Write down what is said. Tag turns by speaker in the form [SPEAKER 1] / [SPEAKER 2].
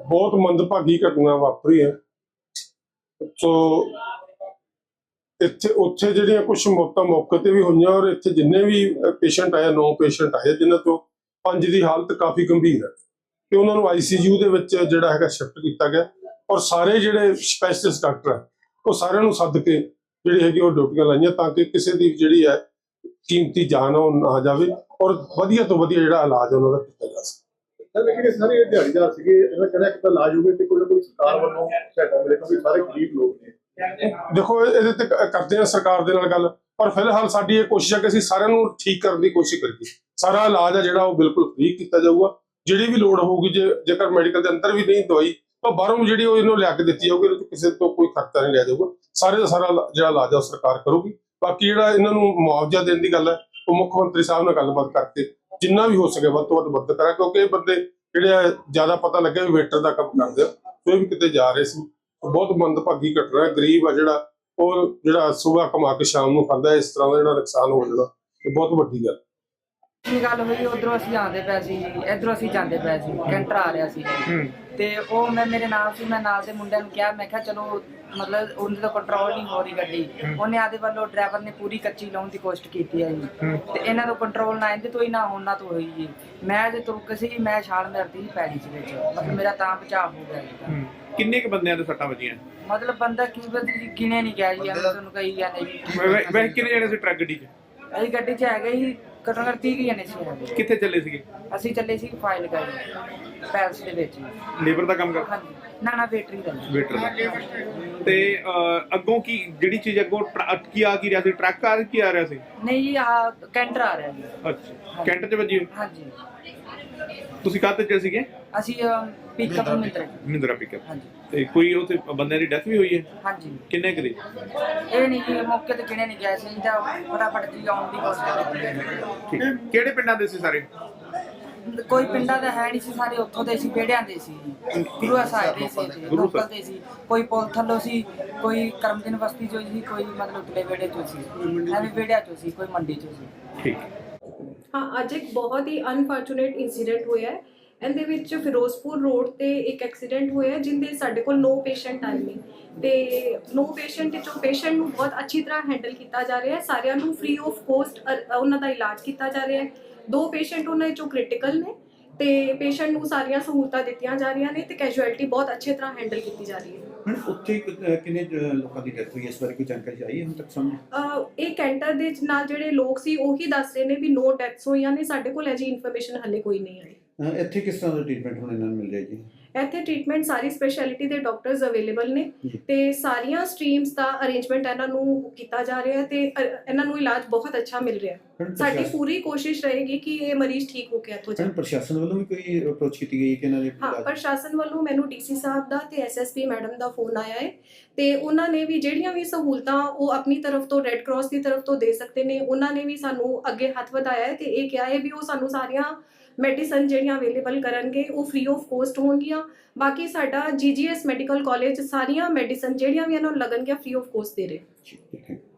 [SPEAKER 1] बहुत मंदभागी घटना वापरी है। सो ਇੱਥੇ ਉੱਥੇ ਜਿਹੜੀਆਂ ਕੁਝ ਮੌਤਾਂ ਮੌਕੇ ਤੇ ਵੀ ਹੋਈਆਂ ਔਰ ਇੱਥੇ ਜਿੰਨੇ ਵੀ ਪੇਸ਼ੈਂਟ ਆਏ 9 ਪੇਸ਼ੈਂਟ ਆਏ ਜਿਨ੍ਹਾਂ ਤੋਂ 5 ਦੀ ਹਾਲਤ ਕਾਫੀ ਗੰਭੀਰ ਹੈ ਤੇ ਉਹਨਾਂ ਨੂੰ ਆਈਸੀਯੂ ਦੇ ਵਿੱਚ ਜਿਹੜਾ ਹੈਗਾ ਸ਼ਿਫਟ ਕੀਤਾ ਗਿਆ ਔਰ ਸਾਰੇ ਜਿਹੜੇ ਸਪੈਸ਼ਲਿਸਟ ਡਾਕਟਰ ਹੈ ਉਹ ਸਾਰਿਆਂ ਨੂੰ ਸੱਦ ਕੇ ਜਿਹੜੀ ਹੈਗੀ ਉਹ ਡਿਊਟੀਆਂ ਲਾਈਆਂ ਤਾਂ ਕਿ ਕਿਸੇ ਦੀ ਜਿਹੜੀ ਹੈ ਕੀਮਤੀ ਜਾਨ ਉਹ ਨਾ ਜਾਵੇ ਔਰ ਵਧੀਆ ਤੋਂ ਵਧੀਆ ਜਿਹੜਾ ਇਲਾਜ ਉਹਨਾਂ ਦਾ ਕੀਤਾ ਜਾ ਸਕੇ।
[SPEAKER 2] ਲੇਕਿਨ ਸਾਰੇ ਦਿਹਾੜੀਦਾਰ ਸੀਗੇ ਇਹਨਾਂ ਕਹਿੰਦਾ ਕਿ ਇਲਾਜ ਹੋਵੇ ਤੇ ਕੋਈ ਨਾ ਕੋਈ ਸਰਕਾਰ ਵੱਲੋਂ ਸਹਾਇਤਾ ਮਿਲੇ ਕਿਉਂਕਿ ਸਾਰੇ ਗਰੀਬ ਲੋਕ ਨੇ।
[SPEAKER 1] देखो ਇਹਦੇ ਤੇ ਕਰਦੇ ਆ ਸਰਕਾਰ ਦੇ ਨਾਲ ਗੱਲ ਪਰ ਫਿਲਹਾਲ ਸਾਡੀ ਇਹ ਕੋਸ਼ਿਸ਼ ਹੈ ਕਿ ਅਸੀਂ ਸਾਰਿਆਂ ਨੂੰ ਠੀਕ ਕਰਨ ਦੀ ਕੋਸ਼ਿਸ਼ ਕਰੀਏ। ਸਾਰਾ ਇਲਾਜ ਆ ਜਿਹੜਾ ਉਹ ਬਿਲਕੁਲ ਫ੍ਰੀ ਕੀਤਾ ਜਾਊਗਾ। ਜਿਹੜੀ ਵੀ ਲੋੜ ਹੋਊਗੀ ਜੇਕਰ ਮੈਡੀਕਲ ਦੇ ਅੰਦਰ ਵੀ ਨਹੀਂ ਦਵਾਈ ਤਾਂ ਬਾਹਰੋਂ ਜਿਹੜੀ ਉਹ ਇਹਨੂੰ ਲਿਆ ਕੇ ਦਿੱਤੀ ਜਾਊਗੀ। ਇਹਦੇ ਕਿਸੇ ਤੋਂ ਕੋਈ ਖਰਚਾ ਨਹੀਂ ਲਿਆ ਜਾਊਗਾ। ਸਾਰੇ ਦਾ ਸਾਰਾ ਜਿਹੜਾ ਇਲਾਜ ਆ ਸਰਕਾਰ ਕਰੂਗੀ। ਬਾਕੀ ਜਿਹੜਾ ਇਹਨਾਂ ਨੂੰ ਮੁਆਵਜ਼ਾ ਦੇਣ ਦੀ ਗੱਲ ਹੈ ਉਹ ਮੁੱਖ ਮੰਤਰੀ ਸਾਹਿਬ ਨਾਲ ਗੱਲਬਾਤ ਕਰਕੇ ਜਿੰਨਾ ਵੀ ਹੋ ਸਕੇ ਵੱਧ ਤੋਂ ਵੱਧ ਮਦਦ ਕਰਾਂ ਕਿਉਂਕਿ ਇਹ ਬੰਦੇ ਜਿਹੜੇ ਜ਼ਿਆਦਾ ਪਤਾ ਲੱਗਿਆ ਵੀ ਵੇਟਰ ਦਾ ਕੰਮ ਕਰਦੇ ਆ ਕੋਈ ਵੀ ਕਿਤੇ ਜਾ ਰਹੇ ਸੀ। ਬਹੁਤ ਮੰਦਭਾਗੀ ਘਟਨਾ ਹੈ। ਗਰੀਬ ਆ ਜਿਹੜਾ ਸੁਬਾਹ ਕਮਾ ਕੇ ਸ਼ਾਮ ਨੂੰ ਖਾਂਦਾ ਇਸ ਤਰ੍ਹਾਂ ਦਾ ਜਿਹੜਾ ਨੁਕਸਾਨ ਹੋ ਜਾਣਾ ਇਹ ਬਹੁਤ ਵੱਡੀ ਗੱਲ।
[SPEAKER 3] ਗੱਲ ਹੋਈ ਉਧਰੋਂ ਅਸੀਂ ਆਉਂਦੇ ਪਏ ਸੀ ਇਧਰੋਂ ਅਸੀਂ ਜਾਂਦੇ ਪਏ ਸੀ ਕੈਂਟਰ ਆ ਰਿਹਾ ਸੀ ਤੇ ਉਹ ਮੈਂ ਮੇਰੇ ਨਾਲ ਸੀ ਮੈਂ ਨਾਲ ਦੇ ਮੁੰਡਿਆਂ ਨੂੰ ਕਿਹਾ ਮੈਂ ਕਿਹਾ ਚਲੋ ਮਤਲਬ ਉਹਦੇ ਤੋਂ ਕੰਟਰੋਲ ਨਹੀਂ ਹੋ ਰਹੀ ਗੱਡੀ। ਉਹਨੇ ਆਦੇ ਵੱਲੋਂ ਡਰਾਈਵਰ ਨੇ ਪੂਰੀ ਕੱਚੀ ਲਾਉਣ ਦੀ ਕੋਸ਼ਿਸ਼ ਕੀਤੀ ਹੈ ਜੀ ਤੇ ਇਹਨਾਂ ਤੋਂ ਕੰਟਰੋਲ ਨਾ ਇਹਦੇ ਤੋਂ ਹੀ ਨਾ ਉਹਨਾਂ ਤੋਂ ਹੋਈ ਜੀ। ਮੈਂ ਜੇ ਤੁਰਕ ਸੀ ਮੈਂ ਛਾਲ ਮਾਰਦੀ ਸੀ ਪੈਲੀ ਚ ਵਿੱਚ ਮਤਲਬ ਮੇਰਾ ਤਾਂ ਬਚਾਅ ਹੋ ਗਿਆ ਜੀ।
[SPEAKER 4] ਕਿੰਨੇ ਕ ਬੰਦਿਆਂ ਦੇ ਸੱਟਾਂ ਵੱਜੀਆਂ?
[SPEAKER 3] ਮਤਲਬ ਬੰਦਾ ਗਿਣੇ ਨਹੀਂ ਗਿਆ ਜੀ। ਤੁਹਾਨੂੰ ਕਹੀ ਜਾਂਦੇ ਜੀ
[SPEAKER 4] ਵੈਸੇ ਕਿੰਨੇ ਜਣੇ ਸੀ ਟਰੱਕ ਗੱਡੀ 'ਚ?
[SPEAKER 3] ਅਸੀਂ ਗੱਡੀ 'ਚ ਹੈਗੇ ਜੀ ਘੱਟੋ ਘੱਟ 30 ਜਣੇ ਸੀ।
[SPEAKER 4] ਕਿੱਥੇ ਚੱਲੇ ਸੀਗੇ?
[SPEAKER 3] ਅਸੀਂ ਚੱਲੇ ਸੀ ਫਾਈਲ ਕਰ ਪੈਲਸ ਦੇ ਵਿੱਚ।
[SPEAKER 4] ਲੇਬਰ ਦਾ ਕੰਮ ਕਰ?
[SPEAKER 3] ਹਾਂਜੀ ਨਾ ਵੇਟਰੀ ਦਾ।
[SPEAKER 4] ਵੇਟਰ ਦਾ। ਤੇ ਅੱਗੋਂ ਕੀ ਜਿਹੜੀ ਚੀਜ਼ ਅੱਗੋਂ ਕੀ ਆ ਰਿਹਾ ਸੀ? ਟਰੱਕ ਆ ਕੀ ਆ ਰਿਹਾ ਸੀ?
[SPEAKER 3] ਨਹੀਂ ਜੀ ਆ ਕੈਂਟਰ ਆ ਰਿਹਾ ਜੀ।
[SPEAKER 4] ਅੱਛਾ ਕੈਂਟਰ 'ਚ ਵੱਜੀ?
[SPEAKER 3] ਹਾਂਜੀ।
[SPEAKER 4] ਤੁਸੀਂ ਕਾਹਦੇ 'ਚ ਸੀਗੇ?
[SPEAKER 3] ਅਸੀਂ ਪਿਕਅਪ
[SPEAKER 4] ਮਹਿੰਦਰਾ ਪਿਕਅਪ।
[SPEAKER 3] ਹਾਂਜੀ।
[SPEAKER 4] ਤੇ ਕੋਈ ਉੱਥੇ ਬੰਦਿਆਂ ਦੀ ਡੈਥ ਵੀ ਹੋਈ ਹੈ?
[SPEAKER 3] ਹਾਂਜੀ।
[SPEAKER 4] ਕਿੰਨੇ ਕੁ ਦੀ?
[SPEAKER 3] ਇਹ ਨਹੀਂ ਜੀ ਮੌਕੇ ਤੇ ਕਿਹਨੇ ਨਹੀਂ ਗਿਆ ਸੀ ਜਾਂ ਫਟਾਫਟ ਜੀ ਆਉਣ ਦੀ ਕੋਸ਼ਿਸ਼ ਕੀਤੀ।
[SPEAKER 4] ਕਿਹੜੇ ਪਿੰਡਾਂ ਦੇ ਸੀ ਸਾਰੇ?
[SPEAKER 3] ਕੋਈ ਪਿੰਡਾਂ ਦਾ ਹੈ ਨਹੀਂ ਸੀ ਸਾਰੇ ਉੱਥੋਂ ਦੇ ਸੀ ਵਿਹੜਿਆਂ ਦੇ ਸੀ ਗੁਰੂ ਸਾਹਿਬ ਦੇ ਸੀ ਲੋਕਲ ਦੇ ਸੀ। ਕੋਈ ਪੁਲ ਥੱਲੋਂ ਸੀ ਕੋਈ ਕਰਮਦਿਨ ਬਸਤੀ ਚੋਂ ਸੀ ਕੋਈ ਮਤਲਬ ਉਤਲੇ ਵਿਹੜੇ ਚੋਂ ਸੀ ਐਵੇਂ ਵਿਹੜਿਆਂ ਚੋਂ ਸੀ ਕੋਈ ਮੰਡੀ ਚੋਂ ਸੀ।
[SPEAKER 4] ਠੀਕ।
[SPEAKER 5] हाँ अज एक बहुत ही अनफॉर्चुनेट इंसीडेंट होया है। ਇਹਦੇ ਵਿੱਚ ਫਿਰੋਜ਼ਪੁਰ ਰੋਡ ਤੇ ਇੱਕ ਐਕਸੀਡੈਂਟ ਹੋਇਆ ਜਿੰਦੇ ਸਾਡੇ ਕੋਲ 9 ਪੇਸ਼ੈਂਟ ਆਏ ਨੇ ਤੇ 9 ਪੇਸ਼ੈਂਟ ਵਿੱਚੋਂ ਪੇਸ਼ੈਂਟ ਨੂੰ ਬਹੁਤ ਅੱਛੀ ਤਰ੍ਹਾਂ ਹੈਂਡਲ ਕੀਤਾ ਜਾ ਰਿਹਾ ਹੈ। ਸਾਰਿਆਂ ਨੂੰ ਫ੍ਰੀ ਆਫ ਕੋਸਟ ਉਹਨਾਂ ਦਾ ਇਲਾਜ ਕੀਤਾ ਜਾ ਰਿਹਾ ਹੈ। 2 ਪੇਸ਼ੈਂਟ ਉਹਨਾਂ ਵਿੱਚੋਂ ਕ੍ਰਿਟੀਕਲ ਨੇ ਤੇ ਪੇਸ਼ੈਂਟ ਨੂੰ ਸਾਰੀਆਂ ਸਹੂਲਤਾਂ ਦਿੱਤੀਆਂ ਜਾ ਰਹੀਆਂ ਨੇ ਤੇ ਕੈਜੁਅਲਟੀ ਬਹੁਤ ਅੱਛੀ ਤਰ੍ਹਾਂ ਹੈਂਡਲ ਕੀਤੀ ਜਾ ਰਹੀ ਹੈ।
[SPEAKER 6] ਉੱਥੇ ਕਿੰਨੇ ਲੋਕਾਂ ਦੀ ਡੈਥ ਹੋਈ ਇਸ ਬਾਰੇ ਕੋਈ ਜਾਣਕਾਰੀ ਆਈ ਹੈ ਹੁਣ ਤੱਕ ਸਾਹਮਣੇ?
[SPEAKER 5] ਇਹ ਕੈਂਟਰ ਦੇ ਨਾਲ ਜਿਹੜੇ ਲੋਕ ਸੀ ਉਹੀ ਦੱਸ ਰਹੇ ਨੇ ਵੀ 9 ਡੈਥਸ ਹੋਈਆਂ ਨੇ। ਸਾਡੇ ਕੋਲ ਅਜੇ ਇਨਫੋਰਮੇਸ਼ਨ ਹਲੇ ਕੋਈ ਨਹੀਂ ਆਈ।
[SPEAKER 6] ਇੱਥੇ ਕਿਸ ਤਰ੍ਹਾਂ ਦਾ ਟ੍ਰੀਟਮੈਂਟ ਹੁਣ ਇਹਨਾਂ ਨੂੰ ਮਿਲ ਰਿਹਾ ਜੀ?
[SPEAKER 5] ਇੱਥੇ ਟ੍ਰੀਟਮੈਂਟ ਸਾਰੀ ਸਪੈਸ਼ਲਿਟੀ ਦੇ ਡਾਕਟਰਸ ਅਵੇਲੇਬਲ ਨੇ ਤੇ ਸਾਰੀਆਂ ਸਟਰੀਮਸ ਦਾ ਅਰੇਂਜਮੈਂਟ ਇਹਨਾਂ ਨੂੰ ਕੀਤਾ ਜਾ ਰਿਹਾ ਤੇ ਇਹਨਾਂ ਨੂੰ ਇਲਾਜ ਬਹੁਤ ਅੱਛਾ ਮਿਲ ਰਿਹਾ। ਸਾਡੀ ਪੂਰੀ ਕੋਸ਼ਿਸ਼ ਰਹੇਗੀ ਕਿ ਇਹ ਮਰੀਜ਼ ਠੀਕ ਹੋ ਕੇ ਇੱਥੋਂ ਜਾਣ।
[SPEAKER 6] ਪ੍ਰਸ਼ਾਸਨ ਵੱਲੋਂ ਵੀ ਕੋਈ ਅਪਰੋਚ ਕੀਤੀ ਗਈ ਕਿ ਇਹਨਾਂ ਦੇ?
[SPEAKER 5] ਹਾਂ ਪ੍ਰਸ਼ਾਸਨ ਵੱਲੋਂ ਮੈਨੂੰ ਡੀਸੀ ਸਾਹਿਬ ਦਾ ਤੇ ਐਸਐਸਪੀ ਮੈਡਮ ਦਾ ਫੋਨ ਆਇਆ ਹੈ ਤੇ ਉਹਨਾਂ ਨੇ ਵੀ ਜਿਹੜੀਆਂ ਵੀ ਸਹੂਲਤਾਂ ਉਹ ਆਪਣੀ ਤਰਫ ਤੋਂ ਰੈੱਡ ਕਰਾਸ ਦੀ ਤਰਫ ਤੋਂ ਦੇ ਸਕਦੇ ਨੇ ਉਹਨਾਂ ਨੇ ਵੀ ਸਾਨੂੰ ਅੱਗੇ ਹੱਥ ਵਧਾਇਆ ਹੈ ਤੇ ਇਹ ਕਿਹਾ ਹੈ ਵੀ ਉਹ ਸਾਨੂੰ ਸਾਰੀਆਂ ਮੈਡੀਸਨ ਜਿਹੜੀਆਂ ਅਵੇਲੇਬਲ ਕਰਨਗੇ ਉਹ ਫ੍ਰੀ ਆਫ ਕੋਸਟ ਹੋਣਗੀਆਂ। ਬਾਕੀ ਸਾਡਾ ਜੀਜੀਐਸ ਮੈਡੀਕਲ ਕਾਲਜ ਸਾਰੀਆਂ ਮੈਡੀਸਨ ਜਿਹੜੀਆਂ ਵੀ ਇਹਨਾਂ ਨੂੰ ਲੱਗਣਗੀਆਂ ਫ੍ਰੀ ਆਫ ਕੋਸਟ ਦੇ ਰਹੇ।